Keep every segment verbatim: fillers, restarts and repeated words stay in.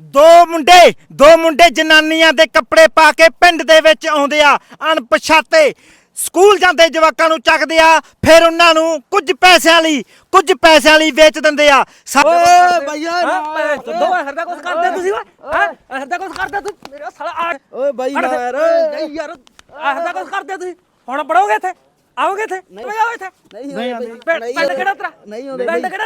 ਦੋ ਮੁੰਡੇ ਦੋ ਮੁੰਡੇ ਜਨਾਨੀਆਂ ਦੇ ਕੱਪੜੇ ਪਾ ਕੇ ਪਿੰਡ ਦੇ ਵਿੱਚ ਆਉਂਦੇ ਆ ਅਣਪਛਾਤੇ ਸਕੂਲ ਜਾਂਦੇ ਜਵਾਕਾਂ ਨੂੰ ਚੱਕਦੇ ਆ ਫਿਰ ਉਹਨਾਂ ਨੂੰ ਕੁਝ ਪੈਸਿਆਂ ਲਈ ਕੁਝ ਪੈਸਿਆਂ ਲਈ ਵੇਚ ਦਿੰਦੇ ਆ ਓਏ ਭਈਆ ਦੋ ਹਰਦਾ ਕੁਝ ਕਰਦੇ ਤੁਸੀਂ ਓਏ ਹੈ ਹਰਦਾ ਕੁਝ ਕਰਦੇ ਤੂੰ ਮੇਰਾ ਸਾਲਾ ਓਏ ਬਾਈ ਯਾਰ ਨਹੀਂ ਯਾਰ ਹਰਦਾ ਕੁਝ ਕਰਦੇ ਤੁਸੀਂ ਹੁਣ ਪੜੋਗੇ ਇੱਥੇ ਆਓਗੇ ਇੱਥੇ ਤੁਸੀਂ ਆਓ ਇੱਥੇ ਨਹੀਂ ਆਉਂਦੇ ਪਿੰਡ ਕਿਹੜਾ ਤੇਰਾ ਨਹੀਂ ਆਉਂਦੇ ਪਿੰਡ ਕਿਹੜਾ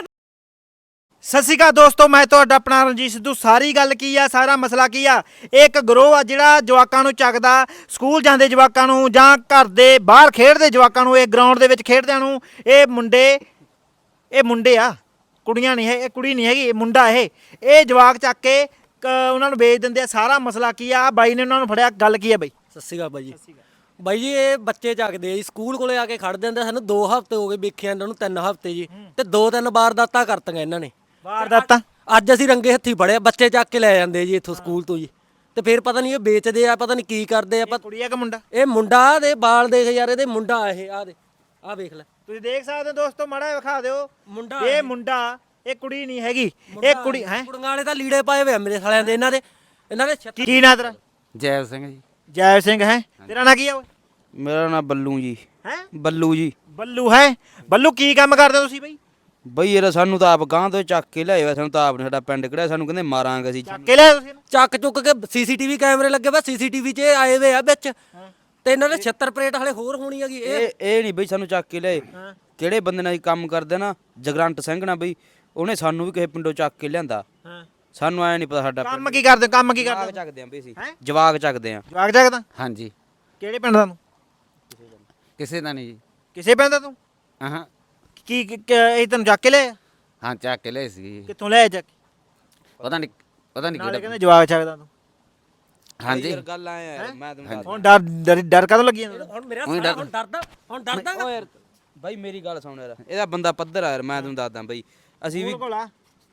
ਸਤਿ ਸ਼੍ਰੀ ਅਕਾਲ ਦੋਸਤੋ ਮੈਂ ਤੁਹਾਡਾ ਆਪਣਾ ਰਣਜੀਤ ਸਿੱਧੂ ਸਾਰੀ ਗੱਲ ਕੀ ਆ ਸਾਰਾ ਮਸਲਾ ਕੀ ਆ ਇਹ ਇੱਕ ਗਰੋਹ ਆ ਜਿਹੜਾ ਜਵਾਕਾਂ ਨੂੰ ਚੱਕਦਾ ਸਕੂਲ ਜਾਂਦੇ ਜਵਾਕਾਂ ਨੂੰ ਜਾਂ ਘਰ ਦੇ ਬਾਹਰ ਖੇਡਦੇ ਜਵਾਕਾਂ ਨੂੰ ਇਹ ਗਰਾਊਂਡ ਦੇ ਵਿੱਚ ਖੇਡਦਿਆਂ ਨੂੰ ਇਹ ਮੁੰਡੇ ਇਹ ਮੁੰਡੇ ਆ ਕੁੜੀਆਂ ਨਹੀਂ ਹੈ ਇਹ ਕੁੜੀ ਨਹੀਂ ਹੈਗੀ ਇਹ ਮੁੰਡਾ ਇਹ ਇਹ ਜਵਾਕ ਚੱਕ ਕੇ ਕ- ਉਹਨਾਂ ਨੂੰ ਵੇਚ ਦਿੰਦੇ ਆ ਸਾਰਾ ਮਸਲਾ ਕੀ ਆ ਬਾਈ ਨੇ ਉਹਨਾਂ ਨੂੰ ਫੜਿਆ ਗੱਲ ਕੀ ਆ ਬਾਈ ਸਤਿ ਸ਼੍ਰੀ ਅਕਾਲ ਬਾਈ ਜੀ ਬਾਈ ਜੀ ਇਹ ਬੱਚੇ ਚੱਕਦੇ ਆ ਜੀ ਸਕੂਲ ਕੋਲੇ ਆ ਕੇ ਖੜ ਜਾਂਦੇ ਸਾਨੂੰ ਦੋ ਹਫ਼ਤੇ ਹੋ ਗਏ ਵੇਖਿਆ ਇਹਨਾਂ ਨੂੰ ਤਿੰਨ ਹਫ਼ਤੇ ਜੀ ਤੇ ਦੋ ਤਿੰਨ ਵਾਰਦਾਤਾਂ ਕਰਤੀਆਂ ਇਹਨਾਂ ਨੇ ਵਾਰਦਾਤਾਂ ਅੱਜ ਅਸੀਂ ਰੰਗੇ ਹੱਥੀ ਫੜਿਆ ਬੱਚੇ ਚੱਕ ਕੇ ਲੈ ਜਾਂਦੇ ਜੀ ਇੱਥੋਂ ਸਕੂਲ ਤੋਂ ਜੀ ਤੇ ਫਿਰ ਪਤਾ ਨਹੀਂ ਇਹ ਵੇਚਦੇ ਆ ਪਤਾ ਨਹੀਂ ਕੀ ਕਰਦੇ ਆ ਕੁੜੀ ਆ ਕਿ ਮੁੰਡਾ ਇਹ ਮੁੰਡਾ ਦੇ ਬਾਲ ਦੇਖ ਯਾਰ ਇਹਦੇ ਮੁੰਡਾ ਇਹ ਆ ਦੇ ਆ ਵੇਖ ਲੈ ਤੁਸੀਂ ਦੇਖ ਸਕਦੇ ਹੋ ਦੋਸਤੋ ਮਾੜਾ ਜਿਹਾ ਵਿਖਾ ਦਿਓ ਮੁੰਡਾ ਇਹ ਮੁੰਡਾ ਇਹ ਕੁੜੀ ਨਹੀਂ ਹੈਗੀ ਇਹ ਕੁੜੀ ਹੈ ਕੁੜੀਆਂ ਵਾਲੇ ਤਾਂ ਲੀੜੇ ਪਾਏ ਹੋਏ ਆ ਮੇਰੇ ਸਾਲਿਆਂ ਦੇ ਇਹਨਾਂ ਦੇ ਇਹਨਾਂ ਦੇ ਛੱਤੀ ਕੀ ਨਾਂ ਤੇਰਾ ਜੈਵ ਸਿੰਘ ਜੀ ਜੈ ਸਿੰਘ ਹੈ ਤੇਰਾ ਨਾਂ ਕੀ ਆ ਓਏ ਮੇਰਾ ਨਾਮ ਬੱਲੂ ਜੀ ਹੈ ਬੱਲੂ ਜੀ ਬੱਲੂ ਹੈ ਬੱਲੂ ਕੀ ਕੰਮ ਕਰਦੇ ਹੋ ਤੁਸੀਂ ਬਈ ਬਈ ਯਾਰ ਸਾਨੂੰ ਤਾਂ ਆਪ ਗਾਂ ਤੋਂ ਚੱਕ ਕੇ ਲਿਆਏ ਸਾਨੂੰ ਤਾਂ ਆਪ ਨੇ ਸਾਡਾ ਪਿੰਡ ਕਿਹੜਾ ਸਾਨੂੰ ਕਹਿੰਦੇ ਮਾਰਾਂਗੇ ਅਸੀਂ ਚੱਕ ਕੇ ਲਿਆ ਤੁਸੀਂ ਇਹਨੂੰ? ਚੱਕ ਚੁੱਕ ਕੇ ਸੀਸੀਟੀਵੀ ਕੈਮਰੇ ਲੱਗੇ ਵਾ ਸੀਸੀਟੀਵੀ 'ਚ ਇਹ ਆਏ ਹੋਏ ਆ ਵਿੱਚ ਤੇ ਇਹਨਾਂ ਦੇ ਛੱਤਰ ਪਲੇਟ ਹਲੇ ਹੋਰ ਹੋਣੀ ਹੈਗੀ ਇਹ ਇਹ ਇਹ ਨਹੀਂ ਬਈ ਸਾਨੂੰ ਚੱਕ ਕੇ ਲਿਆਏ ਕਿਹੜੇ ਬੰਦੇ ਨਾਲ ਅਸੀਂ ਕੰਮ ਕਰਦੇ ਨਾ ਜਗਰੰਟ ਸਿੰਘ ਨਾਲ ਬਈ ਉਹਨੇ ਸਾਨੂੰ ਵੀ ਕਿਸੇ ਪਿੰਡੋਂ ਚੱਕ ਕੇ ਲਿਆਂਦਾ ਹਾਂ ਸਾਨੂੰ ਐ ਨਹੀਂ ਪਤਾ ਸਾਡਾ ਕੰਮ ਕੀ ਕਰਦੇ ਹੋ? ਕੰਮ ਕੀ ਜਵਾਕ ਕਰਦੇ ਹੋ? ਚੱਕਦੇ ਆਂ ਬਈ ਅਸੀਂ ਹੈਂ? ਜਵਾਕ ਚੱਕਦੇ ਆਂ ਜਵਾਕ ਜਾਗਦਾ ਹਾਂਜੀ ਕਿਹੜੇ ਪਿੰਡ ਦਾ ਤੂੰ ਕਿਸੇ ਦਾ ਨਹੀਂ ਜੀ ਕਿਸੇ ਪਿੰਡ ਦਾ ਤੂੰ ਹਾਂ ਕੀ ਕੀ- ਕੀ- ਇਹ ਤੈਨੂੰ ਚੱਕ ਕੇ ਲਿਆ ਹਾਂ ਚੱਕ ਕੇ ਲਏ ਸੀ ਕਿੱਥੋਂ ਲਿਆ ਚੱਕ ਕੇ? ਪਤਾ ਨਹੀਂ ਪਤਾ ਨਹੀਂ ਨਾਲੇ ਕਿਹੜਾ ਕਹਿੰਦੇ ਜਵਾਕ ਚੱਕਦਾ ਤੂੰ ਹਾਂਜੀ ਯਾਰ ਗੱਲ ਐ ਯਾਰ ਮੈਂ ਤੁਹਾਨੂੰ ਦੱਸ ਹੁਣ ਡਰ ਡਰ ਡਰ ਕਦੋਂ ਲੱਗੀ ਜਾਂਦਾ ਹੁਣ ਮੇਰਾ ਸਾਲਾ ਹੁਣ ਡਰਦਾ ਹੁਣ ਡਰਦਾ ਓ ਯਾਰ ਬਾਈ ਮੇਰੀ ਗੱਲ ਸੁਣ ਯਾਰ ਇਹਦਾ ਬੰਦਾ ਪੱਧਰ ਆ ਯਾਰ ਮੈਂ ਤੁਹਾਨੂੰ ਦੱਸਦਾ ਬਈ ਅਸੀਂ ਵੀ ਕੋਲ ਆ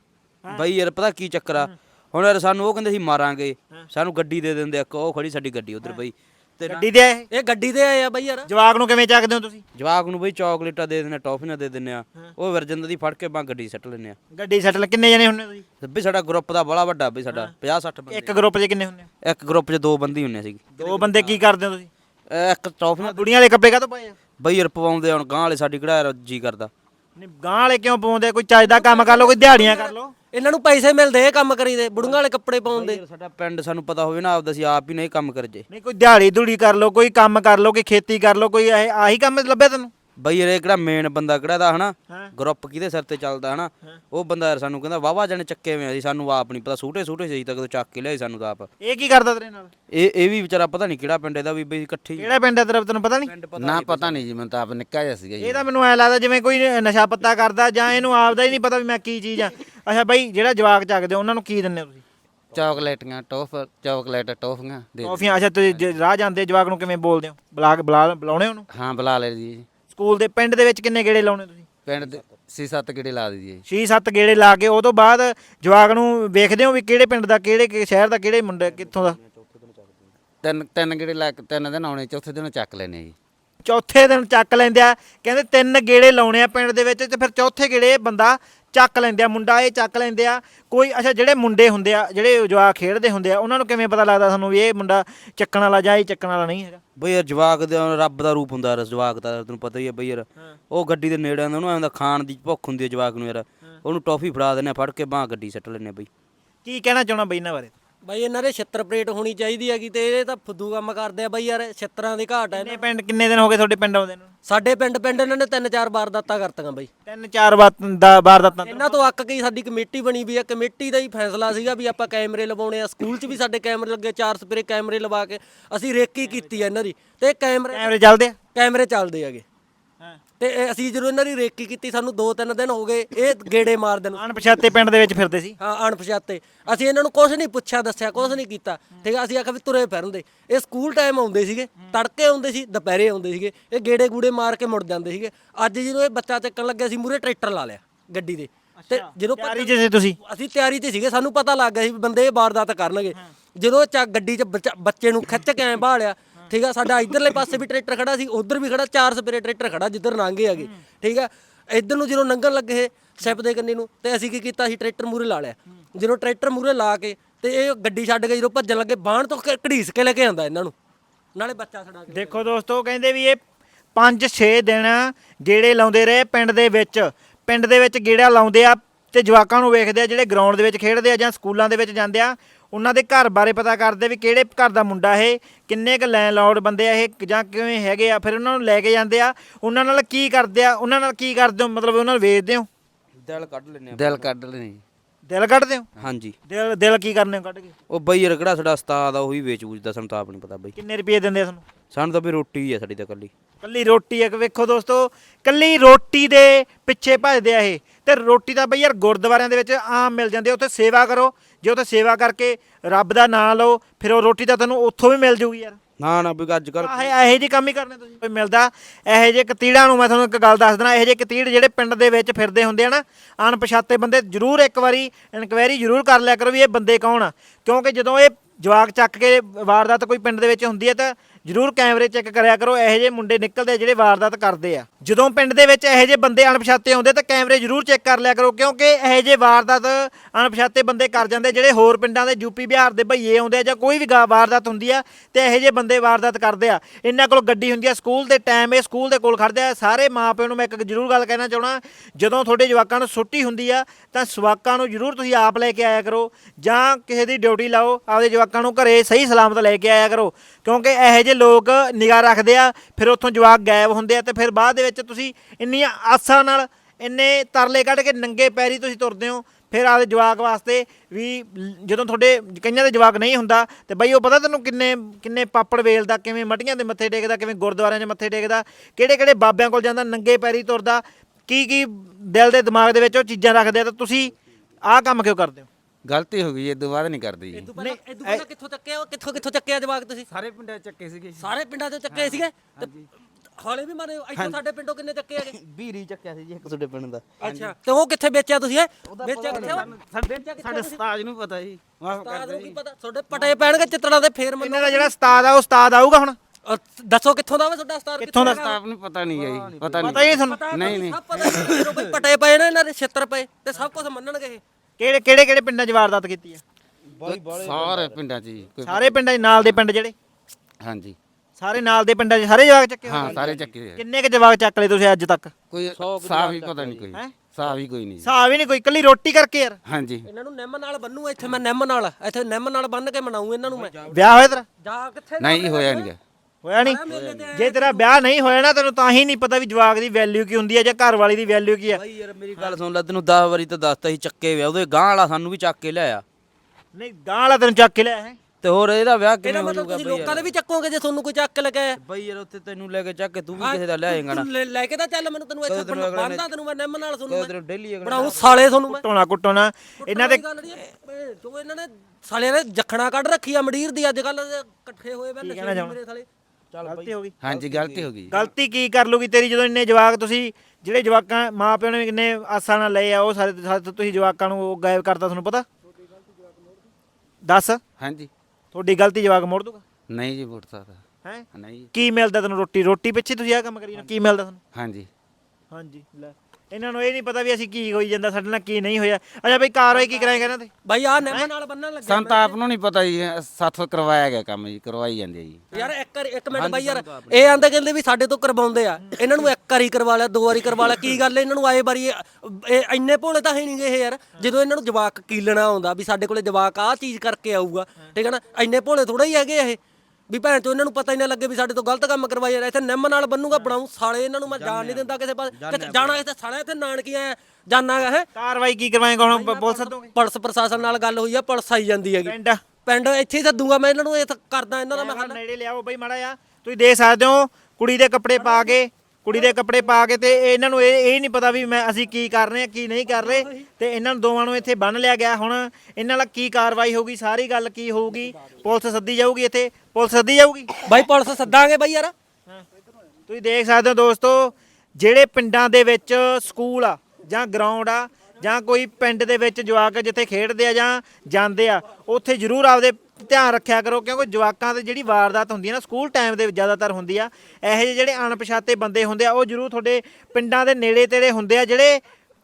ਬਈ ਯਾਰ ਪਤਾ ਕੀ ਚੱਕਰ ਆ ਹੁਣ ਯਾਰ ਸਾਨੂੰ ਉਹ ਕਹਿੰਦੇ ਸੀ ਮਾਰਾਂਗੇ ਸਾਨੂੰ ਗੱਡੀ ਦੇ ਦਿੰਦੇ ਇੱਕ ਉਹ ਖੜੀ ਸਾਡੀ ਗੱਡੀ ਉਧਰ ਬਈ ਤੇ ਨਾ- ਗੱਡੀ ਤੇ ਆਏ ਇਹ ਗੱਡੀ ਤੇ ਆਏ ਆ ਬਾਈ ਯਾਰ ਜਵਾਕ ਨੂੰ ਕਿਵੇਂ ਚੱਕਦੇ ਹੋ ਤੁਸੀਂ ਜਵਾਕ ਨੂੰ ਬਈ ਚਾਕਲੇਟਾਂ ਦੇ ਦਿੰਦੇ ਟੌਫੀਆਂ ਦੇ ਦਿੰਦੇ ਆ ਉਹ ਵਰਜਨ ਦੀ ਫੜ ਕੇ ਬਾਂ ਗੱਡੀ ਸੱਟ ਲੈਂਦੇ ਆ ਗੱਡੀ ਸੈਟਲ ਕਿੰਨੇ ਜਣੇ ਹੁੰਨੇ ਤੁਸੀਂ ਤੇ ਬਈ ਸਾਡਾ ਗਰੁੱਪ ਦਾ ਬੜਾ ਵੱਡਾ ਬਈ ਸਾਡਾ ਪੰਜਾਹ ਸੱਠ ਬੰਦੇ ਇੱਕ ਗਰੁੱਪ 'ਚ ਕਿੰਨੇ ਹੁੰਨੇ ਇੱਕ ਗਰੁੱਪ 'ਚ ਦੋ ਬੰਦੇ ਹੀ ਹੁੰਨੇ ਸੀ ਦੋ ਬੰਦੇ ਕੀ ਕਰਦੇ ਹੋ ਤੁਸੀਂ ਇੱਕ ਟੌਫੀਆਂ ਦੁਨੀਆ ਦੇ ਕੱਪੜੇ ਕਾਹਤੋਂ ਪਾਏ ਆ ਬਈ ਯਾਰ ਪਵਾਉਂਦੇ ਹੁਣ ਗਾਂ ਵਾਲੇ ਸਾਡੀ ਕਿਹੜਾ ਯਾਰ ਜੀ ਕਰਦਾ ਨਹੀਂ ਗਾਂ ਵਾਲੇ ਕਿਉਂ ਪਾਉਂਦੇ ਕੋਈ ਚੱਜ ਦਾ ਕੰਮ ਕਰ ਲਓ ਕੋਈ ਦਿਹਾੜੀਆਂ ਕਰ ਲਓ ਇਹਨਾਂ ਨੂੰ ਪੈਸੇ ਮਿਲਦੇ ਇਹ ਕੰਮ ਕਰੀਦੇ ਬੁੜੀਆਂ ਵਾਲੇ ਕੱਪੜੇ ਪਾਉਂਦੇ ਯਾਰ ਸਾਡਾ ਪਿੰਡ ਸਾਨੂੰ ਪਤਾ ਹੋਵੇ ਨਾ ਆਪਦਾ ਅਸੀਂ ਆਪ ਹੀ ਨਹੀਂ ਕੰਮ ਕਰ ਜੇ ਨਹੀਂ ਕੋਈ ਦਿਹਾੜੀ ਦੂੜੀ ਕਰ ਲਓ ਕੋਈ ਕੰਮ ਕਰ ਲਓ ਕੋਈ ਖੇਤੀ ਕਰ ਲਓ ਕੋਈ ਇਹ ਆਹੀ ਕੰਮ ਲੱਭਿਆ ਤੈਨੂੰ ਬਈ ਯਾਰ ਇਹ ਕਿਹੜਾ ਮੇਨ ਬੰਦਾ ਕਿਹੜਾ ਦਾ ਹਨਾ ਹਾਂ। ਗਰੁੱਪ ਕਿਹਦੇ ਸਿਰ ਤੇ ਚੱਲਦਾ ਹਨਾ ਉਹ ਬੰਦਾ ਯਾਰ ਸਾਨੂੰ ਕਹਿੰਦਾ ਵਾਵਾ ਜਣੇ ਚੱਕੇ ਹੋਏ ਆ ਅਸੀਂ ਸਾਨੂੰ ਆਪ ਨਹੀਂ ਪਤਾ ਛੋਟੇ ਛੋਟੇ ਸੀ ਤੱਕ ਚੱਕ ਕੇ ਲਿਆਏ ਸਾਨੂੰ ਤਾਂ ਆਪ ਇਹ ਕੀ ਕਰਦਾ ਤੇਰੇ ਨਾਲ ਇਹ ਇਹ ਵੀ ਵਿਚਾਰਾ ਪਤਾ ਨਹੀਂ ਕਿਹੜਾ ਪਿੰਡ ਇਹਦਾ ਵੀ ਬਈ ਇਕੱਠੇ ਹੀ ਕਿਹੜਾ ਪਿੰਡ ਹੈ ਤੇਰਾ ਤੈਨੂੰ ਪਤਾ ਨਹੀਂ ਪਿੰਡ ਨਾ ਪਤਾ ਨਹੀਂ ਜੀ ਮੈਨੂੰ ਤਾਂ ਆਪ ਨਿੱਕਾ ਜਿਹਾ ਸੀਗਾ ਜੀ ਇਹ ਤਾਂ ਮੈਨੂੰ ਐ ਲੱਗਦਾ ਜਿਵੇਂ ਕੋਈ ਨਸ਼ਾ ਪੱਤਾ ਕਰਦਾ ਜਾਂ ਇਹਨੂੰ ਆਪਦਾ ਹੀ ਨਹੀਂ ਪਤਾ ਵੀ ਮੈਂ ਕੀ ਚੀਜ਼ ਆ ਅੱਛਾ ਬਾਈ ਜਿਹੜਾ ਜਵਾਕ ਚੱਕਦੇ ਹੋ, ਉਹਨਾਂ ਨੂੰ ਕੀ ਦਿੰਦੇ ਹੋ ਤੁਸੀਂ ਚਾਕਲੇਟੀਆਂ ਟੋਫ ਚਾਕਲੇਟ ਟੋਫੀਆਂ ਦੇ ਟੌਫੀਆਂ ਅੱਛਾ ਤੁਸੀਂ ਜੇ ਰਾਹ ਜਾਂਦੇ ਜਵਾਕ ਨੂੰ ਕਿਵੇਂ ਬੋਲਦੇ ਹੋ ਬੁਲਾ ਕੇ ਬੁਲਾ ਬੁਲਾਉਣੇ ਉਹਨੂੰ ਹਾਂ ਬੁਲਾ ਲੈ ਜੀ ਸਕੂਲ ਦੇ ਪਿੰਡ ਦੇ ਵਿੱਚ ਕਿੰਨੇ ਗੇੜੇ ਲਾਉਣੇ ਤੁਸੀਂ ਪਿੰਡ ਦੇ ਛੇ ਸੱਤ ਕਿਹੜੇ ਲਾ ਦਈਏ ਜੀ ਛੇ ਸੱਤ ਗੇੜੇ ਲਾ ਕੇ ਉਹ ਤੋਂ ਬਾਅਦ ਜਵਾਕ ਨੂੰ ਵੇਖਦੇ ਹੋ ਵੀ ਕਿਹੜੇ ਪਿੰਡ ਦਾ ਕਿਹੜੇ ਕਿ- ਸ਼ਹਿਰ ਦਾ ਕਿਹੜੇ ਮੁੰਡੇ ਕਿੱਥੋਂ ਦਾ ਤਿੰਨ ਤਿੰਨ ਕਿਹੜੇ ਲਾ ਕੇ ਤਿੰਨ ਦਿਨ ਆਉਣੇ ਚੌਥੇ ਦਿਨ ਚੱਕ ਲੈਣੇ ਜੀ ਚੌਥੇ ਦਿਨ ਚੱਕ ਲੈਂਦੇ ਆ ਕਹਿੰਦੇ ਤਿੰਨ ਗੇੜੇ ਲਾਉਣੇ ਆ ਪਿੰਡ ਦੇ ਵਿੱਚ ਤੇ ਫਿਰ ਚੌਥੇ ਗੇੜੇ ਬੰਦਾ ਚੱਕ ਲੈਂਦੇ ਆ ਮੁੰਡਾ ਇਹ ਚੱਕ ਲੈਂਦੇ ਆ ਕੋਈ ਅੱਛਾ ਜਿਹੜੇ ਮੁੰਡੇ ਹੁੰਦੇ ਆ ਜਿਹੜੇ ਜਵਾਕ ਖੇਡਦੇ ਹੁੰਦੇ ਆ ਉਹਨਾਂ ਨੂੰ ਕਿਵੇਂ ਪਤਾ ਲੱਗਦਾ ਤੁਹਾਨੂੰ ਵੀ ਇਹ ਮੁੰਡਾ ਚੱਕਣ ਵਾਲਾ ਜਾਂ ਇਹ ਚੱਕਣ ਵਾਲਾ ਨਹੀਂ ਹੈਗਾ ਬਈ ਯਾਰ ਜਵਾਕ ਦੇ ਰੱਬ ਦਾ ਰੂਪ ਹੁੰਦਾ ਯਾਰ ਜਵਾਕ ਦਾ ਤੈਨੂੰ ਪਤਾ ਹੀ ਹੈ ਬਈ ਯਾਰ ਉਹ ਗੱਡੀ ਦੇ ਨੇੜੇ ਆਉਂਦਾ ਉਹਨੂੰ ਐਂ ਹੁੰਦਾ ਖਾਣ ਦੀ ਭੁੱਖ ਹੁੰਦੀ ਹੈ ਜਵਾਕ ਨੂੰ ਯਾਰ ਉਹਨੂੰ ਟੌਫੀ ਫੜਾ ਦਿੰਦੇ ਆ ਫੜ ਕੇ ਬਾਂਹ ਗੱਡੀ ਸੱਟ ਲੈਂਦੇ ਆ ਬਈ ਕੀ ਕਹਿਣਾ ਚਾਹਣਾ ਬਈ ਇਹਨਾਂ ਬਾਰੇ ਬਾਈ ਇਹਨਾਂ ਦੇ ਛੱਤਰ ਪਲੇਟ ਹੋਣੀ ਚਾਹੀਦੀ ਹੈਗੀ ਤੇ ਇਹ ਤਾਂ ਫੁੱਦੂ ਕੰਮ ਕਰਦੇ ਆ ਬਾਈ ਯਾਰ ਛੱਤਰਾਂ ਦੀ ਘਾਟ ਹੈ ਕਿੰਨੇ ਪਿੰਡ ਕਿੰਨੇ ਦਿਨ ਹੋ ਗਏ ਤੁਹਾਡੇ ਪਿੰਡ ਆਉਂਦੇ ਨੂੰ ਸਾਡੇ ਪਿੰਡ ਪਿੰਡ ਇਹਨਾਂ ਨੇ ਤਿੰਨ ਚਾਰ ਵਾਰਦਾਤਾਂ ਕਰਤੀਆਂ ਬਾਈ ਤਿੰਨ ਚਾਰ ਵਾਰ ਦਾ ਵਾਰ ਦਾ ਇਹਨਾਂ ਤੋਂ ਅੱਕ ਗਈ ਸਾਡੀ ਕਮੇਟੀ ਬਣੀ ਵੀ ਆ ਕਮੇਟੀ ਦਾ ਹੀ ਫੈਸਲਾ ਸੀਗਾ ਵੀ ਆਪਾਂ ਕੈਮਰੇ ਲਵਾਉਣੇ ਆ ਸਕੂਲ 'ਚ ਵੀ ਸਾਡੇ ਕੈਮਰੇ ਲੱਗੇ ਚਾਰ ਸਪਰੇ ਕੈਮਰੇ ਲਵਾ ਕੇ ਅਸੀਂ ਰੇਕੀ ਕੀਤੀ ਆ ਇਹਨਾਂ ਦੀ ਤੇ ਕੈਮਰੇ ਕੈਮਰੇ ਚੱਲਦੇ ਆ ਕੈਮਰੇ ਚੱਲਦੇ ਹੈਗੇ ਹਾਂ ਤੇ ਇਹ ਅਸੀਂ ਜਦੋਂ ਇਹਨਾਂ ਦੀ ਰੇਕੀ ਕੀਤੀ ਸਾਨੂੰ ਦੋ ਤਿੰਨ ਦਿਨ ਹੋ ਗਏ ਇਹ ਗੇੜੇ ਮਾਰਦੇ ਨੂੰ ਅਣਪਛਾਤੇ ਪਿੰਡ ਦੇ ਵਿੱਚ ਫਿਰਦੇ ਸੀ ਹਾਂ ਅਣਪਛਾਤੇ ਅਸੀਂ ਇਹਨਾਂ ਨੂੰ ਕੁਝ ਨਹੀਂ ਪੁੱਛਿਆ ਦੱਸਿਆ ਕੁਝ ਨਹੀਂ ਕੀਤਾ ਠੀਕ ਆ ਅਸੀਂ ਆਖਿਆ ਵੀ ਤੁਰੇ ਫਿਰਨਦੇ ਇਹ ਸਕੂਲ ਟਾਈਮ ਆਉਂਦੇ ਸੀਗੇ ਤੜਕੇ ਆਉਂਦੇ ਸੀ ਦੁਪਹਿਰੇ ਆਉਂਦੇ ਸੀਗੇ ਇਹ ਗੇੜੇ ਗੂੜੇ ਮਾਰ ਕੇ ਮੁੜ ਜਾਂਦੇ ਸੀਗੇ ਅੱਜ ਜਦੋਂ ਇਹ ਬੱਚਾ ਚੱਕਣ ਲੱਗਿਆ ਸੀ ਮੂਰੇ ਟਰੈਕਟਰ ਲਾ ਲਿਆ ਗੱਡੀ ਦੇ ਤੇ ਜਦੋਂ ਤਿਆਰੀ 'ਚ ਸੀ ਤੁਸੀਂ ਅਸੀਂ ਤਿਆਰੀ ਤੇ ਸੀਗੇ ਸਾਨੂੰ ਪਤਾ ਲੱਗ ਗਿਆ ਸੀ ਵੀ ਬੰਦੇ ਇਹ ਵਾਰਦਾਤ ਕਰਨਗੇ ਜਦੋਂ ਚੱਕ ਗੱਡੀ 'ਚ ਬੱਚਾ- ਬੱਚੇ ਨੂੰ ਖਿੱਚ ਕੇ ਐ ਬਾਹਲਿਆ ਠੀਕ ਆ ਸਾਡਾ ਇਧਰਲੇ ਪਾਸੇ ਵੀ ਟਰੈਕਟਰ ਖੜਾ ਸੀ ਉਧਰ ਵੀ ਖੜਾ ਚਾਰ ਸਪਰੇ ਟਰੈਕਟਰ ਖੜਾ ਜਿੱਧਰ ਲੰਘੇ ਹੈਗੇ ਠੀਕ ਆ ਇੱਧਰ ਨੂੰ ਜਦੋਂ ਲੰਘਣ ਲੱਗੇ ਸਿਪ ਦੇ ਕੰਨੀ ਨੂੰ, ਤੇ ਅਸੀਂ ਕੀ ਕੀਤਾ, ਅਸੀਂ ਟਰੈਕਟਰ ਮੂਰੇ ਲਾ ਲਿਆ। ਜਦੋਂ ਟਰੈਕਟਰ ਮੂਰੇ ਲਾ ਕੇ ਤੇ ਇਹ ਗੱਡੀ ਛੱਡ ਕੇ ਜਦੋਂ ਭੱਜਣ ਲੱਗੇ, ਬਾਹਣ ਤੋਂ ਘ- ਘੜੀਸ ਕੇ ਲੈ ਕੇ ਆਂਦਾ ਇਹਨਾਂ ਨੂੰ, ਨਾਲੇ ਬੱਚਾ ਛਡਾ ਕੇ। ਦੇਖੋ ਦੋਸਤੋ, ਕਹਿੰਦੇ ਵੀ ਇਹ ਪੰਜ ਛੇ ਦਿਨ ਗੇੜੇ ਲਾਉਂਦੇ ਰਹੇ ਪਿੰਡ ਦੇ ਵਿੱਚ, ਪਿੰਡ ਦੇ ਵਿੱਚ ਗੇੜਾ ਲਾਉਂਦੇ ਆ ਤੇ ਜਵਾਕਾਂ ਨੂੰ ਵੇਖਦੇ ਆ ਜਿਹੜੇ ਗਰਾਊਂਡ ਦੇ ਵਿੱਚ ਖੇਡਦੇ ਆ ਜਾਂ ਸਕੂਲਾਂ ਦੇ ਵਿੱਚ ਜਾਂਦੇ ਆ, ਉਹਨਾਂ ਦੇ ਘਰ ਬਾਰੇ ਪਤਾ ਕਰਦੇ ਵੀ ਕਿਹੜੇ ਘਰ ਦਾ ਮੁੰਡਾ ਇਹ, ਕਿੰਨੇ ਕੁ ਲੈਂਡ ਲੌਰਡ ਬੰਦੇ ਆ ਇਹ ਜਾਂ ਕਿਵੇਂ ਹੈਗੇ ਆ, ਫਿਰ ਉਹਨਾਂ ਨੂੰ ਲੈ ਕੇ ਜਾਂਦੇ ਆ। ਉਹਨਾਂ ਨਾਲ ਕੀ ਕਰਦੇ ਆ, ਉਹਨਾਂ ਨਾਲ ਕੀ ਕਰਦੇ ਹੋ, ਮਤਲਬ ਉਹਨਾਂ ਨੂੰ ਵੇਚਦੇ ਹੋ, ਦਿਲ ਕੱਢ ਲੈਨੇ ਆ ਦਿਲ ਕੱਢ ਲੈਣੇ। ਦਿਲ ਕੱਢਦੇ ਹੋ? ਹਾਂਜੀ। ਦਿਲ ਦਿਲ ਕੀ ਕਰਨੇ ਹੋ ਕੱਢ ਕੇ? ਉਹ ਬਈ ਯਾਰ ਕਿਹੜਾ ਸਾਡਾ ਉਸਤਾਦ ਆ ਉਹੀ ਵੇਚ ਬੂਝਦਾ, ਸਾਨੂੰ ਤਾਂ ਆਪ ਨਹੀਂ ਪਤਾ ਬਈ। ਕਿੰਨੇ ਰੁਪਏ ਦਿੰਦੇ ਆ ਤੁਹਾਨੂੰ? ਸਾਨੂੰ ਤਾਂ ਵੀ ਰੋਟੀ ਹੀ ਆ ਸਾਡੀ ਤਾਂ ਇਕੱਲੀ। ਕੱਲੀ ਰੋਟੀ ਇੱਕ ਵੇਖੋ ਦੋਸਤੋ, ਕੱਲੀ ਰੋਟੀ ਦੇ ਪਿੱਛੇ ਭੱਜਦੇ ਆ ਇਹ। ਤੇ ਰੋਟੀ ਤਾਂ ਬਈ ਯਾਰ ਗੁਰਦੁਆਰਿਆਂ ਦੇ ਵਿੱਚ ਆਮ ਮਿਲ ਜਾਂਦੀ ਆ, ਉੱਥੇ ਸੇਵਾ ਕਰੋ, ਜੇ ਉੱਥੇ ਸੇਵਾ ਕਰਕੇ ਰੱਬ ਦਾ ਨਾਮ ਲਓ, ਫਿਰ ਉਹ ਰੋਟੀ ਤਾਂ ਤੁਹਾਨੂੰ ਉੱਥੋਂ ਵੀ ਮਿਲ ਜੂਗੀ ਯਾਰ। ਨਾ ਨਾ ਵੀ ਅੱਜ ਕੱਲ ਆਹ ਇਹੋ ਜਿਹੇ ਕੰਮ ਹੀ ਕਰਨੇ ਤੁਸੀਂ, ਕੋਈ ਮਿਲਦਾ ਇਹੋ ਜਿਹੇ ਕਤੀੜਾਂ ਨੂੰ। ਮੈਂ ਤੁਹਾਨੂੰ ਇੱਕ ਗੱਲ ਦੱਸ ਦੇਣਾ, ਇਹੋ ਜਿਹੇ ਕਤੀੜ ਜਿਹੜੇ ਪਿੰਡ ਦੇ ਵਿੱਚ ਫਿਰਦੇ ਹੁੰਦੇ ਆ ਨਾ, ਅਣਪਛਾਤੇ ਬੰਦੇ, ਜ਼ਰੂਰ ਇੱਕ ਵਾਰੀ ਇਨਕੁਆਇਰੀ ਜ਼ਰੂਰ ਕਰ ਲਿਆ ਕਰੋ ਵੀ ਇਹ ਬੰਦੇ ਕੌਣ ਆ, ਕਿਉਂਕਿ ਜਦੋਂ ਇਹ ਜਵਾਕ ਚੱਕ ਕੇ ਵਾਰਦਾਤ ਕੋਈ ਪਿੰਡ ਦੇ ਵਿੱਚ ਹੁੰਦੀ ਹੈ ਤਾਂ ਜ਼ਰੂਰ ਕੈਮਰੇ ਚੈੱਕ ਕਰਿਆ ਕਰੋ, ਇਹੋ ਜਿਹੇ ਮੁੰਡੇ ਨਿਕਲਦੇ ਆ ਜਿਹੜੇ ਵਾਰਦਾਤ ਕਰਦੇ ਆ। ਜਦੋਂ ਪਿੰਡ ਦੇ ਵਿੱਚ ਇਹੋ ਜਿਹੇ ਬੰਦੇ ਅਣਪਛਾਤੇ ਆਉਂਦੇ ਤਾਂ ਕੈਮਰੇ ਜ਼ਰੂਰ ਚੈੱਕ ਕਰ ਲਿਆ ਕਰੋ, ਕਿਉਂਕਿ ਇਹੋ ਜਿਹੇ ਵਾਰਦਾਤ ਅਣਪਛਾਤੇ ਬੰਦੇ ਕਰ ਜਾਂਦੇ, ਜਿਹੜੇ ਹੋਰ ਪਿੰਡਾਂ ਦੇ ਯੂਪੀ ਬਿਹਾਰ ਦੇ ਭਈਏ ਆਉਂਦੇ ਆ ਜਾਂ ਕੋਈ ਵੀ ਗਾ- ਵਾਰਦਾਤ ਹੁੰਦੀ ਆ ਤੇ ਇਹੋ ਜਿਹੇ ਬੰਦੇ ਵਾਰਦਾਤ ਕਰਦੇ ਆ। ਇਹਨਾਂ ਕੋਲ ਗੱਡੀ ਹੁੰਦੀ ਆ, ਸਕੂਲ ਦੇ ਟਾਈਮ ਇਹ ਸਕੂਲ ਦੇ ਕੋਲ ਖੜਦੇ ਆ। ਸਾਰੇ ਮਾਪਿਆਂ ਨੂੰ ਮੈਂ ਇੱਕ ਜ਼ਰੂਰ ਗੱਲ ਕਹਿਣਾ ਚਾਹਣਾ, ਜਦੋਂ ਤੁਹਾਡੇ ਜਵਾਕਾਂ ਨੂੰ ਛੁੱਟੀ ਹੁੰਦੀ ਆ ਤਾਂ ਜਵਾਕਾਂ ਨੂੰ ਜ਼ਰੂਰ ਤੁਸੀਂ ਆਪ ਲੈ ਕੇ ਆਇਆ ਕਰੋ, ਜਾਂ ਕਿਸੇ ਦੀ ਡਿਊਟੀ ਲਾਓ, ਆਪਦੇ ਜਵਾਕਾਂ ਨੂੰ ਘਰੇ ਸਹੀ ਸਲਾਮਤ ਲੈ ਕੇ ਆਇਆ ਕਰੋ, ਕਿਉਂਕਿ ਇਹੋ ਜਿਹੇ ਲੋਕ ਨਿਗਾਹ ਰੱਖਦੇ ਆ, ਫਿਰ ਉੱਥੋਂ ਜਵਾਕ ਗਾਇਬ ਹੁੰਦੇ ਆ ਤੇ ਫਿਰ ਬਾਅਦ ਦੇ ਵਿੱਚ ਤੁਸੀਂ ਇੰਨੀਆਂ ਆਸਾਂ ਨਾਲ ਇੰਨੇ ਤਰਲੇ ਕੱਢ ਕੇ ਨੰਗੇ ਪੈਰੀ ਤੁਸੀਂ ਤੁਰਦੇ ਹੋ। ਫਿਰ ਆਪਦੇ ਜਵਾਕ ਵਾਸਤੇ ਵੀ ਲ- ਜਦੋਂ ਤੁਹਾਡੇ ਕਈਆਂ ਦੇ ਜਵਾਕ ਨਹੀਂ ਹੁੰਦਾ ਤੇ ਬਈ ਉਹ ਪਤਾ ਤੈਨੂੰ ਕਿੰਨੇ ਕਿੰਨੇ ਪਾਪੜ ਵੇਲਦਾ, ਕਿਵੇਂ ਮਟੀਆਂ ਦੇ ਮੱਥੇ ਟੇਕਦਾ, ਕਿਵੇਂ ਗੁਰਦੁਆਰਿਆਂ 'ਚ ਮੱਥੇ ਟੇਕਦਾ, ਕਿਹੜੇ ਕਿਹੜੇ ਬਾਬਿਆਂ ਕੋਲ ਜਾਂਦਾ, ਨੰਗੇ ਪੈਰੀ ਤੁਰਦਾ, ਕੀ ਕੀ ਦਿਲ ਦੇ ਦਿਮਾਗ ਦੇ ਵਿੱਚ ਉਹ ਚੀਜ਼ਾਂ ਰੱਖਦੇ ਆ, ਤਾਂ ਤੁਸੀਂ ਆਹ ਕੰਮ ਕਿਉਂ ਕਰਦੇ ਹੋ? ਗਲਤੀ ਹੋ ਗਈ, ਇਹ ਤੋਂ ਬਾਅਦ ਨਹੀਂ ਕਰਦੇ ਜੀ। ਇਦੋਂ ਪਹਿਲਾਂ ਇਦੋਂ ਪਹਿਲਾਂ ਕਿੱਥੋਂ ਚੱਕਿਆ, ਉਹ ਕਿੱਥੋਂ ਕਿੱਥੋਂ ਚੱਕਿਆ ਜਵਾਕ ਤੁਸੀਂ? ਸਾਰੇ ਪਿੰਡਾਂ 'ਚ ਚੱਕੇ ਸੀਗੇ ਸਾਰੇ ਪਿੰਡਾਂ ਤੋਂ ਚੱਕੇ ਸੀਗੇ ਤੇ ਹਾਲੇ ਵੀ ਮਾਰੇ ਇੱਥੋਂ ਸਾਡੇ ਪਿੰਡੋਂ ਕਿੰਨੇ ਚੱਕੇ ਹੈਗੇ? ਵੀਰੀ ਚੱਕਿਆ ਸੀ ਜੀ ਇੱਕ ਤੁਹਾਡੇ ਪਿੰਡ ਦਾ। ਅੱਛਾ, ਤੇ ਉਹ ਕਿੱਥੇ ਵੇਚਿਆ ਤੁਸੀਂ? ਇਹ ਵੇਚਿਆ ਕਿੱਥੇ? ਸਾਡੇ ਉਸਤਾਦ ਨੂੰ ਪਤਾ ਜੀ, ਮਾਫ ਕਰ ਉਸਤਾਦ ਨੂੰ ਕੀ ਪਤਾ, ਤੁਹਾਡੇ ਪਟੇ ਪੈਣਗੇ ਚਿੱਤੜਾਂ ਦੇ, ਫੇਰ ਮੈਨੂੰ ਇਹਨਾਂ ਦਾ ਜਿਹੜਾ ਉਸਤਾਦ ਆ ਉਹ ਉਸਤਾਦ ਆਊਗਾ ਹੁਣ? ਅਹ ਦੱਸੋ ਕਿੱਥੋਂ ਦਾ ਵਾ ਤੁਹਾਡਾ ਉਸਤਾਦ? ਕਿੱਥੋਂ ਦਾ? ਆਪ ਨੂੰ ਪਤਾ ਨਹੀਂ ਹੈ ਜੀ, ਪਤਾ ਪਤਾ ਹੀ ਨਹੀਂ। ਨਹੀਂ ਤੁਹਾਨੂੰ? ਨਹੀਂ ਨਹੀਂ ਸਭ ਪਤਾ ਹੀ ਜਦੋਂ ਕੋਈ ਪਟੇ ਪਏ ਨੇ ਇਹਨਾਂ ਦੇ ਛਿੱਤਰ ਪਏ ਤੇ ਸਭ ਕੁਝ ਮੰਨਣਗੇ ਇਹ। ਕਿਹੜੇ ਕਿਹੜੇ ਕਿਹੜੇ ਪਿੰਡਾਂ 'ਚ ਵਾਰਦਾਤ ਕੀਤੀ ਆ? ਸਾਰੇ ਪਿੰਡਾਂ 'ਚ ਜੀ ਕੋਈ- ਸਾਰੇ ਪਿੰਡਾਂ 'ਚ, ਨਾਲ ਦੇ ਪਿੰਡ ਜਿਹੜੇ ਹਾਂਜੀ ਸਾਰੇ ਨਾਲ ਦੇ ਪਿੰਡਾਂ 'ਚ ਸਾਰੇ ਜਵਾਕ ਚੱਕੇ ਹੋਏ? ਹਾਂ, ਸਾਰੇ ਚੱਕੇ ਹੋਏ ਆ। ਕਿੰਨੇ ਕੁ ਜਵਾਕ ਚੱਕ ਲਏ ਤੁਸੀਂ ਅੱਜ ਤੱਕ? ਕੋਈ ਸਾਫ ਹੀ ਪਤਾ ਨਹੀਂ ਕੋਈ, ਹੈਂ? ਸਾਫ ਹੀ ਕੋਈ ਨਹੀਂ ਜੀ। ਹਿਸਾਬ ਹੀ ਨਹੀਂ ਕੋਈ, ਕੱਲੀ ਰੋਟੀ ਕਰਕੇ ਯਾਰ। ਹਾਂਜੀ ਇਹਨਾਂ ਨੂੰ ਨਿੰਮ ਨਾਲ ਬੰਨੂ, ਇੱਥੇ ਮੈਂ ਨਿੰਮ ਨਾਲ, ਇੱਥੇ ਨਿੰਮ ਨਾਲ ਬੰਨ ਕੇ ਮਨਾਉਂ ਇਹਨਾਂ ਨੂੰ ਮੈਂ। ਵਿਆਹ ਹੋਇਆ ਤੇਰਾ? ਜਾ ਕਿੱਥੇ ਨਹੀਂ ਹੋਇਆ ਨਹੀਂ ਗਾ। ਹੋਇਆ ਨਹੀਂ? ਜੇ ਤੇਰਾ ਵਿਆਹ ਨਹੀਂ ਹੋਇਆ ਨਾ, ਤੈਨੂੰ ਤਾਂ ਹੀ ਨਹੀਂ ਪਤਾ ਵੀ ਜਵਾਕ ਦੀ ਵੈਲਿਊ ਕੀ ਹੁੰਦੀ ਹੈ ਜਾਂ ਘਰ ਵਾਲੀ ਦੀ ਵੈਲਿਊ ਕੀ ਹੈ। ਬਾਈ ਯਾਰ ਮੇਰੀ ਗੱਲ ਸੁਣ ਲੈ, ਤੈਨੂੰ ਦਸ ਵਾਰੀ ਤਾਂ ਦੱਸਤਾ ਸੀ ਚੱਕੇ ਵਿਆਹ, ਉਹਦੇ ਗਾਂ ਵਾਲਾ ਸਾਨੂੰ ਵੀ ਚੱਕ ਕੇ ਲਿਆਇਆ ਨਹੀਂ, ਗਾਂ ਵਾਲਾ ਤੈਨੂੰ ਚੱਕ ਕੇ ਲਿਆ ਹੈ? ਤੇ ਹੋਰ ਇਹਦਾ ਵਿਆਹ ਇਹਦਾ ਕਿਵੇਂ ਹੋ ਮਤਲਬ ਜਾਊਗਾ ਤੁਸੀਂ ਬਈ ਲੋਕਾਂ ਦੇ ਵੀ ਚੱਕੋਗੇ ਜੇ ਤੁਹਾਨੂੰ ਕੋਈ ਚੱਕ ਕੇ ਲਗਾਇਆ? ਬਈ ਯਾਰ ਉੱਥੇ ਤੈਨੂੰ ਲੈ ਕੇ ਚੱਕ ਕੇ ਤੂੰ ਵੀ ਕਿਸੇ ਦਾ ਲਿਆਏਂਗਾ ਨਾ। ਤੂੰ ਲੈ ਲੈ ਕੇ ਤਾਂ ਚੱਲ, ਮੈਨੂੰ ਤੈਨੂੰ ਇੱਥੇ ਬੰਨਦਾ ਤੈਨੂੰ ਮੈਂ ਨਿੰਮ ਨਾਲ, ਤੁਹਾਨੂੰ ਤੈਨੂੰ ਡੇਲੀ ਅਗਲਾ ਬਣਾਉਂ ਸਾਲੇ ਤੁਹਾਨੂੰ ਮੈਂ। ਟੋਣਾ ਕੁੱਟੋਣਾ ਇਹਨਾਂ ਦੇ। ਗੱਲ ਨਹੀਂ ਹੈ, ਜੋ ਇਹਨਾਂ ਨੇ ਸਾਲਿਆਂ ਨੇ ਜਖਣਾ ਕੱਢ ਰੱਖੀ ਆ ਮੰਡੀਰ ਦੀ, ਅੱਜ ਕੱਲ ਇਕੱਠੇ ਹੋਏ ਵੇ ਨਸ਼ੇ ਮੇਰੇ ਸਾਲੇ। ਗਲਤੀ ਹੋ ਗਈ। ਹਾਂਜੀ ਗਲਤੀ ਹੋ ਗਈ। ਗਲਤੀ ਕੀ ਕਰ ਲੂਗੀ ਤੇਰੀ, ਜਦੋਂ ਇੰਨੇ ਜਵਾਕ ਤੁਸੀਂ ਜਿਹੜੇ ਜਵਾਕਾਂ ਮਾਂ ਪਿਓ ਨੇ ਕਿੰਨੇ ਆਸਾਂ ਨਾਲ ਲਏ ਆ, ਉਹ ਸਾਰੇ ਦੇ ਸਾਰੇ ਤੁਸੀਂ ਜਵਾਕਾਂ ਨੂੰ ਉਹ ਗਾਇਬ ਕਰਤਾ, ਤੁਹਾਨੂੰ ਪਤਾ? ਦੱਸ, ਹਾਂਜੀ ਤੁਹਾਡੀ ਗਲਤੀ ਜਵਾਕ ਮੋੜ ਦੂਗਾ? ਨਹੀਂ ਜੀ, ਵੋਟ ਸਕਦਾ ਹੈ ਨਹੀਂ ਜੀ। ਕੀ ਮਿਲਦਾ ਤੈਨੂੰ? ਰੋਟੀ ਰੋਟੀ ਪਿੱਛੇ ਤੁਸੀਂ ਆਹ ਕੰਮ ਕਰੀ ਜਾਂਦੇ, ਕੀ ਮਿਲਦਾ ਤੁਹਾਨੂੰ? ਹਾਂਜੀ ਹਾਂਜੀ, ਲੈ ਇਹਨਾਂ ਨੂੰ ਇਹ ਨਹੀਂ ਪਤਾ ਵੀ ਅਸੀਂ ਕੀ ਹੋਈ ਜਾਂਦਾ, ਸਾਡੇ ਨਾਲ ਕੀ ਨਹੀਂ ਹੋਇਆ। ਅੱਛਾ ਬਈ, ਕਾਰਵਾਈ ਕੀ ਕਰਾਂਗੇ ਇਹਨਾਂ ਤੇ? ਬਾਈ ਆ ਨਿੰਮ ਨਾਲ ਬੰਨਣ ਲੱਗੇ ਸਾਨੂੰ ਤਾਂ ਆਪ ਨੂੰ ਨਹੀਂ ਪਤਾ ਜੀ, ਸਾਥੋਂ ਕਰਵਾਇਆ ਗਿਆ ਕੰਮ ਜੀ, ਕਰਵਾਈ ਜਾਂਦੇ ਆ ਜੀ। ਯਾਰ ਇੱਕ ਵਾਰੀ ਇੱਕ ਮਿੰਟ ਬਾਈ ਯਾਰ, ਇਹ ਆਂਦੇ ਕਹਿੰਦੇ ਵੀ ਸਾਡੇ ਤੋਂ ਕਰਵਾਉਂਦੇ ਆ, ਇਹਨਾਂ ਨੂੰ ਇੱਕ ਵਾਰੀ ਕਰਵਾ ਲਿਆ, ਦੋ ਵਾਰੀ ਕਰਵਾ ਲਿਆ, ਕੀ ਗੱਲ ਇਹਨਾਂ ਨੂੰ ਆਏ ਵਾਰੀ ਇਹ ਇਹ ਇੰਨੇ ਭੋਲੇ ਤਾਂ ਹੈ ਨਹੀਂ ਗਏ ਇਹ ਯਾਰ। ਜਦੋਂ ਇਹਨਾਂ ਨੂੰ ਜਵਾਕ ਕੀਲਣਾ ਆਉਂਦਾ ਵੀ ਸਾਡੇ ਕੋਲੇ ਜਵਾਕ ਆਹ ਚੀਜ਼ ਕਰਕੇ ਆਊਗਾ, ਠੀਕ ਹੈ ਨਾ, ਇੰਨੇ ਭੋਲੇ ਥੋੜਾ ਹੀ ਹੈਗੇ ਇਹ ਵੀ ਭੈਣ ਚੋ ਇਹਨਾਂ ਨੂੰ ਪਤਾ ਹੀ ਨਾ ਲੱਗੇ ਵੀ ਸਾਡੇ ਤੋਂ ਗਲਤ ਕੰਮ ਕਰਵਾਇਆ ਯਾਰ। ਇੱਥੇ ਨਿੰਮ ਨਾਲ ਬੰਨੂਗਾ, ਬਣਾਉਂ ਸਾਲੇ ਇਹਨਾਂ ਨੂੰ ਮੈਂ ਜਾਣ ਨਹੀਂ ਦਿੰਦਾ ਕਿਸੇ ਪਾਸੇ, ਕਿਤੇ ਜਾਣਾ ਇੱਥੇ ਸਾਲੇ ਇੱਥੇ ਨਾਨਕੀ ਆਇਆ ਜਾਨਾਗਾ ਹੈ। ਕਾਰਵਾਈ ਕੀ ਕਰਵਾਏਗਾ ਹੁਣ? ਪ- ਪੁਲਿਸ ਸੱਦੋਗੇ? ਪੁਲਿਸ ਪ੍ਰਸ਼ਾਸਨ ਨਾਲ ਗੱਲ ਹੋਈ ਆ, ਪੁਲਿਸ ਆਈ ਜਾਂਦੀ ਹੈਗੀ ਪਿੰਡ ਪਿੰਡ ਇੱਥੇ ਹੀ ਸੱਦੂਗਾ ਮੈਂ ਇਹਨਾਂ ਨੂੰ, ਇਹ ਕਰਦਾ ਇਹਨਾਂ ਦਾ ਮੈਂ ਹੱਲ। ਨੇੜੇ ਲਿਆਓ ਬਈ ਮਾੜਾ ਆ, ਤੁਸੀਂ ਦੇਖ ਸਕਦੇ ਹੋ ਕੁੜੀ ਦੇ ਕੱਪੜੇ ਪਾ ਕੇ, ਕੁੜੀ ਦੇ ਕੱਪੜੇ ਪਾ ਕੇ, ਤੇ ਇਹਨਾਂ ਨੂੰ ਇਹ ਇਹ ਨਹੀਂ ਪਤਾ ਵੀ ਮੈਂ ਅਸੀਂ ਕੀ ਕਰ ਰਹੇ ਹਾਂ ਕੀ ਨਹੀਂ ਕਰ ਰਹੇ, ਤੇ ਇਹਨਾਂ ਨੂੰ ਦੋਵਾਂ ਨੂੰ ਇੱਥੇ ਬੰਨ ਲਿਆ ਗਿਆ। ਹੁਣ ਇਹਨਾਂ ਨਾਲ ਕੀ ਕਾਰਵਾਈ ਹੋਊਗੀ, ਸਾਰੀ ਗੱਲ ਕੀ ਹੋਊਗੀ? ਪੁਲਿਸ ਸੱਦੀ ਜਾਊਗੀ, ਇੱਥੇ ਪੁਲਿਸ ਸੱਦੀ ਜਾਊਗੀ ਬਾਈ, ਪੁਲਿਸ ਸੱਦਾਂਗੇ ਬਾਈ ਯਾਰ। ਤੁਸੀਂ ਦੇਖ ਸਕਦੇ ਹੋ ਦੋਸਤੋ, ਜਿਹੜੇ ਪਿੰਡਾਂ ਦੇ ਵਿੱਚ ਸਕੂਲ ਆ ਜਾਂ ਗਰਾਊਂਡ ਆ ਜਾਂ ਕੋਈ ਪਿੰਡ ਦੇ ਵਿੱਚ ਜਵਾਕ ਜਿੱਥੇ ਖੇਡਦੇ ਆ ਜਾਂ ਜਾਂਦੇ ਆ, ਉੱਥੇ ਜ਼ਰੂਰ ਆਪਦੇ ਧਿਆਨ ਰੱਖਿਆ ਕਰੋ, ਕਿਉਂਕਿ ਜਵਾਕਾਂ ਤੇ ਜਿਹੜੀ ਵਾਰਦਾਤ ਹੁੰਦੀ ਹੈ ਨਾ ਸਕੂਲ ਟਾਈਮ ਦੇ ਵਿੱਚ ਜ਼ਿਆਦਾਤਰ ਹੁੰਦੀ ਆ। ਇਹੋ ਜਿਹੇ ਜਿਹੜੇ ਅਣਪਛਾਤੇ ਬੰਦੇ ਹੁੰਦੇ ਆ ਉਹ ਜ਼ਰੂਰ ਤੁਹਾਡੇ ਪਿੰਡਾਂ ਦੇ ਨੇੜੇ ਤੇੜੇ ਹੁੰਦੇ ਆ, ਜਿਹੜੇ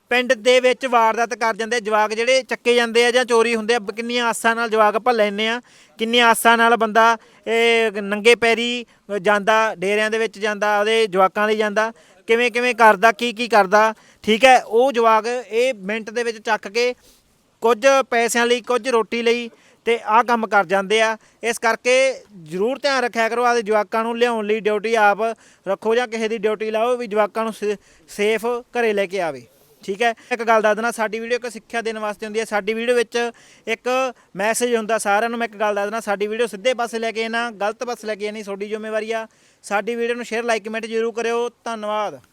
ਪਿੰਡ ਦੇ ਵਿੱਚ ਵਾਰਦਾਤ ਕਰ ਜਾਂਦੇ ਜਵਾਕ ਜਿਹੜੇ ਚੱਕੇ ਜਾਂਦੇ ਆ ਜਾਂ ਚੋਰੀ ਹੁੰਦੇ ਆ, ਕਿੰਨੀਆਂ ਆਸਾਂ ਨਾਲ ਜਵਾਕ ਆਪਾਂ ਲੈਨੇ ਆ, ਕਿੰਨੀਆਂ ਆਸਾਂ ਨਾਲ ਬੰਦਾ ਇਹ ਨੰਗੇ ਪੈਰੀ ਜਾਂਦਾ, ਡੇਰਿਆਂ ਦੇ ਵਿੱਚ ਜਾਂਦਾ, ਉਹਦੇ ਜਵਾਕਾਂ ਲਈ ਜਾਂਦਾ, ਕਿਵੇਂ ਕਿਵੇਂ ਕਰਦਾ, ਕੀ ਕੀ ਕਰਦਾ। ਠੀਕ ਹੈ, ਉਹ ਜਵਾਕ ਇਹ ਮਿੰਟ ਦੇ ਵਿੱਚ ਚੱਕ ਕੇ ਕੁਝ ਪੈਸਿਆਂ ਲਈ, ਕੁਝ ਰੋਟੀ ਲਈ ਤੇ ਆਹ ਕੰਮ ਕਰ ਜਾਂਦੇ ਆ। ਇਸ ਕਰਕੇ ਜ਼ਰੂਰ ਧਿਆਨ ਰੱਖਿਆ ਕਰੋ, ਆਪਦੇ ਜਵਾਕਾਂ ਨੂੰ ਲਿਆਉਣ ਲਈ ਡਿਊਟੀ ਆਪ ਰੱਖੋ ਜਾਂ ਕਿਸੇ ਦੀ ਡਿਊਟੀ ਲਾਓ ਵੀ ਜਵਾਕਾਂ ਨੂੰ ਸੇਫ ਘਰੇ ਲੈ ਕੇ ਆਵੇ। ਠੀਕ ਹੈ, ਇੱਕ ਗੱਲ ਦੱਸ ਦੇਣਾ, ਸਾਡੀ ਵੀਡੀਓ ਇੱਕ ਸਿੱਖਿਆ ਦੇਣ ਵਾਸਤੇ ਹੁੰਦੀ ਹੈ। ਸਾਡੀ ਵੀਡੀਓ ਵਿੱਚ ਇੱਕ ਮੈਸੇਜ ਹੁੰਦਾ ਸਾਰਿਆਂ ਨੂੰ। ਮੈਂ ਇੱਕ ਗੱਲ ਦੱਸ ਦੇਣਾ, ਸਾਡੀ ਵੀਡੀਓ ਸਿੱਧੇ ਪਾਸੇ ਲੈ ਕੇ ਨਾ ਗਲਤ ਪਾਸੇ ਲੈ ਕੇ ਨਹੀਂ ਤੁਹਾਡੀ ਜ਼ਿੰਮੇਵਾਰੀ ਆ। ਸਾਡੀ ਵੀਡੀਓ ਨੂੰ ਸ਼ੇਅਰ, ਲਾਈਕ, ਕਮੈਂਟ ਜ਼ਰੂਰ ਕਰਿਓ। ਧੰਨਵਾਦ।